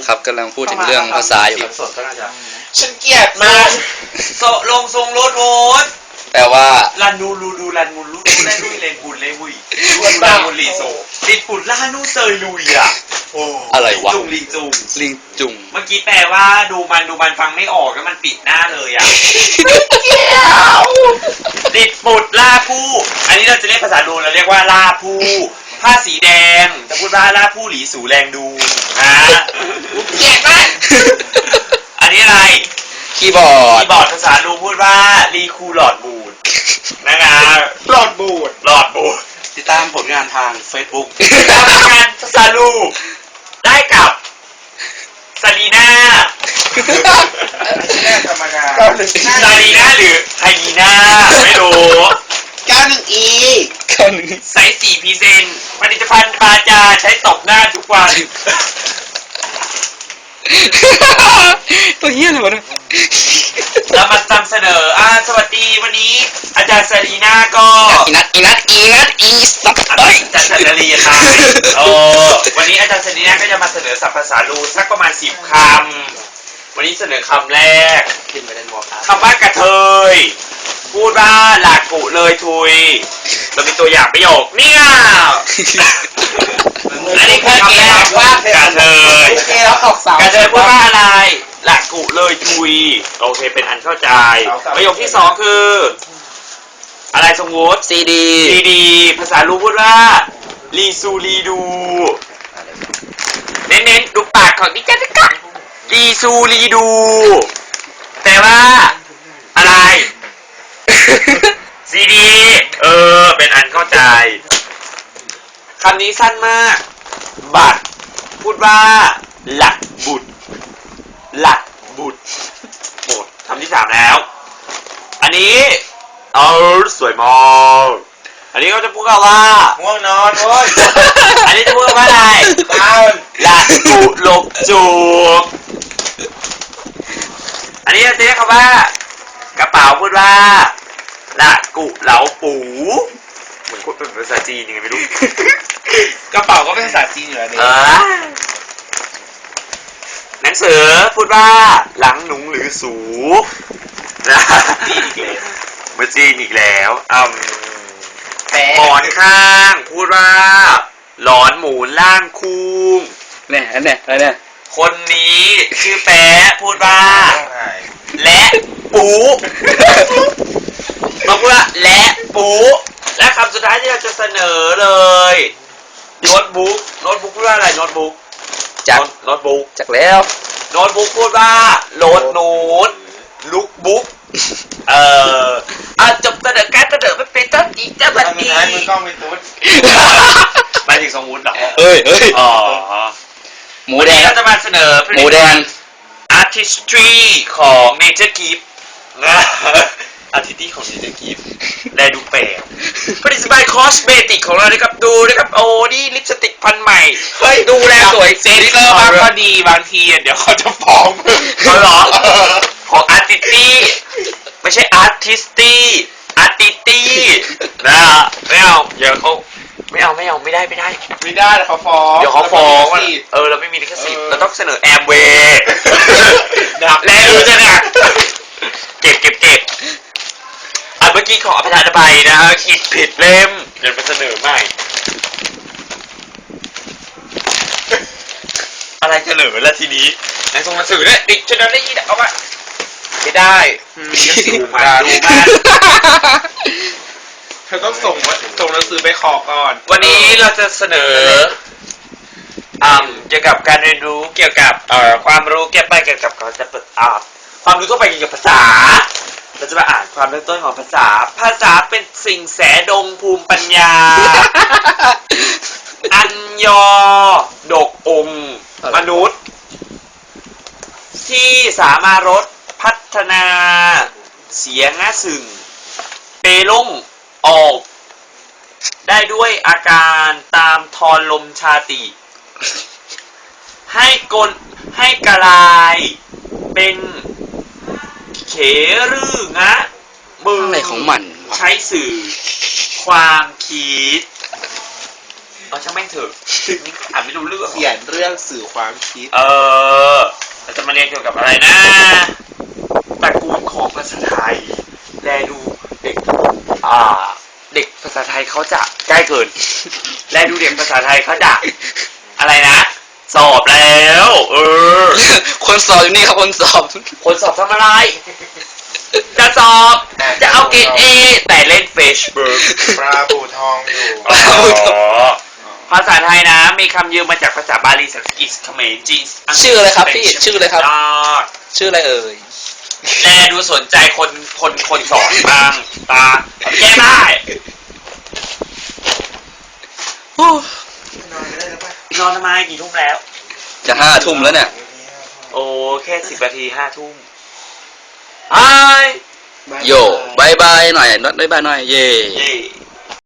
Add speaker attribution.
Speaker 1: ครับกำลังพูดถึงเรื่องภาษาอยู่ครับ
Speaker 2: สดก็น่าจะ
Speaker 3: ฉันเกลียดมากลงทรงรถโว้ย
Speaker 1: แปลว่า
Speaker 3: ลันดูลันมูลูดูได้ลุยเลนบุญเลยวุ้ยลาบุญลีโซลินปุ่นล่านูเซยลุยอ่ะโอ้
Speaker 1: อะไรวะ
Speaker 3: ลิงจุง
Speaker 1: ลิงจุง
Speaker 3: เมื่อกี้แปลว่าดูมันฟังไม่ออกแล้วมันปิดหน้าเลยอ่ะลินปุ่นล่าผู้อันนี้เราจะเรียกภาษาดูเราเรียกว่าล่าผู้ผ้าสีแดงจะพูดว่าล่าผู้หลีสูแรงดูนะเกลียดมากอันนี้อะไร
Speaker 1: คีย์บอร์ด
Speaker 3: ภาษาลูพูดว่ารีคูหลอดบูดนะคะหลอดบูด
Speaker 2: ติดตามผลงานทาง Facebook
Speaker 3: งานภาษาลูได้กับซาลีน่า
Speaker 2: ธรรมดา
Speaker 3: ซาลีน่าหรือไฮยีน่าไม่รู้
Speaker 2: 91E
Speaker 3: ไซส์4พรีเซนต์ผลิตภัณฑ์ปาจาใช้ตบหน้าทุกวัน
Speaker 1: ตัวเหี้ยอะไรวะเนี่ย
Speaker 3: เรามานำเสนอสวัสดีวันนี้อาจารย์ซาลีน่าก็
Speaker 1: อีนัทอีสับเฮ้ย
Speaker 3: อาจารย์ซาลีน่าวันนี้อาจารย์ซาลีน่าก็จะมาเสนอศัพท์ภาษาลูสักประมาณ10 คำวันนี้เสนอคำแรกคำว่ากระเทยพูดว่าหลากกุเลยทุยเรามีตัวอย่างประโยคเนี่ยอันนี้คือคำแรกว่ากระเทยกระเทยพูดว่าอะไรหลากกุเลยทุยโอเคเป็นอันเข้าใจประโยคที่2คืออะไรสมมุติ
Speaker 1: ซีดี
Speaker 3: ภาษาลูพูดว่ารีซูรีดูเน้นดูปากของดิฉันนะคะรีซูรีดูแต่ว่าอะไรซีดีเป็นอันเข้าใจคำนี้สั้นมากบัตรพูดว่าหลักบุตรหมดคำที่3แล้วอันนี้สวยมากอันนี้เขาจะพูดกันว่า
Speaker 2: ง่วงนอนโว้ย
Speaker 3: อันนี้จะพูดว่าอะไรหลักกุหลบจูบอันนี้จะเรียกคำว่ากระเป๋าพูดว่าละกุเหลาปูเหมือนพูดเป็นภาษาจีนยังไงไม่รู้
Speaker 2: กระเป๋าก็เป็นภาษาจีนอยู่แล้วเนี่ย
Speaker 3: หนังสือพูดว่าหลังหนุงหรือสูนะมาจีนอีกแล้วหมอนข้างพูดว่าหลอนหมูล่างคุ้ง
Speaker 1: เนี่ยอันเนี้ยอะไรเนี่ย
Speaker 3: คนนี้ชื่อแป๊ะพูดว่าและปูมาพูดว่าและปูและคำสุดท้ายที่เราจะเสนอเลยโน้ตบุ๊กพูดว่าอะไรโน้ตบุ๊ก
Speaker 1: จากแล้ว
Speaker 3: โน้ตบุ๊กพูดว่าโน้ตลุกบุ๊กจบเสนอการเสนอไม่เป็นต้นอีกจะแบบนี้
Speaker 2: มือกล้องเป็นตุ๊ด
Speaker 3: หมายถึงสมมุติเหรอ
Speaker 1: เอ้ยหมูแดง
Speaker 3: เราจะมาเสนอ
Speaker 1: หมูแดง
Speaker 3: artistry ของ Nature Gift นะ artistry ของ Nature Gift แลดูแปลกผลิตภัณฑ์คอสเมติกของเรานะครับดูนะครับโอ้นี่ลิปสติกพันใหม่เฮ้ยดูแลสวยเซ็กซี่บางก็ดีบางทีเดี๋ยวเขาจะฟ้องเขาหรอของ artistry ไม่ใช่ artistry นะไม่เอาเดี๋ยวเขาไม่ได้
Speaker 2: ไม่ได้เขาฟ้อง
Speaker 3: เดี๋ยวเขาฟ้องเราไม่มีลิขสิทธิ์เราต้องเสนอแอมเวย์แล้วจะหนักเก็บเมื่อกี้ขออภัยไปนะคิดผิดเล่มเดี๋ยวไปเสนอใหม่อะไรเสนอละทีนี้ในส่งหนังสือเนี่ยดิฉันได้ยินเอามาไม่ได้ดูมา
Speaker 2: เธอต้องส่งหนังสือไปขอก่อน
Speaker 3: วันนี้เราจะเสนอเกี่ยวกับการเรียนรู้เกี่ยวกับความรู้เกี่ยวกับการจะเปิดความรู้ทั่วไปเกี่ยวกับภาษาเราจะมาอ่านความเริ่มต้นของภาษาเป็นสิ่งแสดงภูมิปัญญาอัญยอดกองค์มนุษย์ที่สามารถพัฒนาเสียงสึ่งเปล่งออกได้ด้วยอาการตามทอนลมชาติให้กลายเป็นเขรืองะมือ
Speaker 1: อะไรของมัน
Speaker 3: ใช้สื่อความคิดช่างแม่งเถอะอ่านไม่รู้เรื่อง
Speaker 2: เขียนเรื่องสื่อความคิด
Speaker 3: เราจะมาเรียนเกี่ยวกับอะไรนะตระกูลของภาษาไทยแลดูเด็กเด็กภาษาไทยเขาจะใกล้เกิน แลดูเด็กภาษาไทยเขาจะอะไรนะ สอบแล้ว
Speaker 1: คนสอบอยู่นี่ครับคนสอบ
Speaker 3: คนสอบทำอะไร จะสอบจะเอาเกรดเอแต่เล่นเฟซบุ๊ก
Speaker 2: ปลาบูทองอยู่
Speaker 3: ภาษาไทยนะมีคำยืมมาจากภาษาบาลีสันสกฤตเขมรจีนอังกฤษ
Speaker 1: ชื่ออะไรครับพี่ชื่ออะไรครับ
Speaker 3: ยอด
Speaker 1: ชื่ออะไรเอ่ย
Speaker 3: แลดูสนใจคนสอนบ้างตาแก้ได้
Speaker 1: โอ้
Speaker 2: นอนไม่ได้แล้วป่ะ
Speaker 3: นอนทำไมกี่ทุ่มแล้ว
Speaker 1: จะ5 ทุ่มแล้วเนี่ย
Speaker 3: โอ้แค่10 นาที5 ทุ่มไอ้
Speaker 1: โย่บายบายหน่อยน็อตบายบายหน่อย เย่
Speaker 3: เย่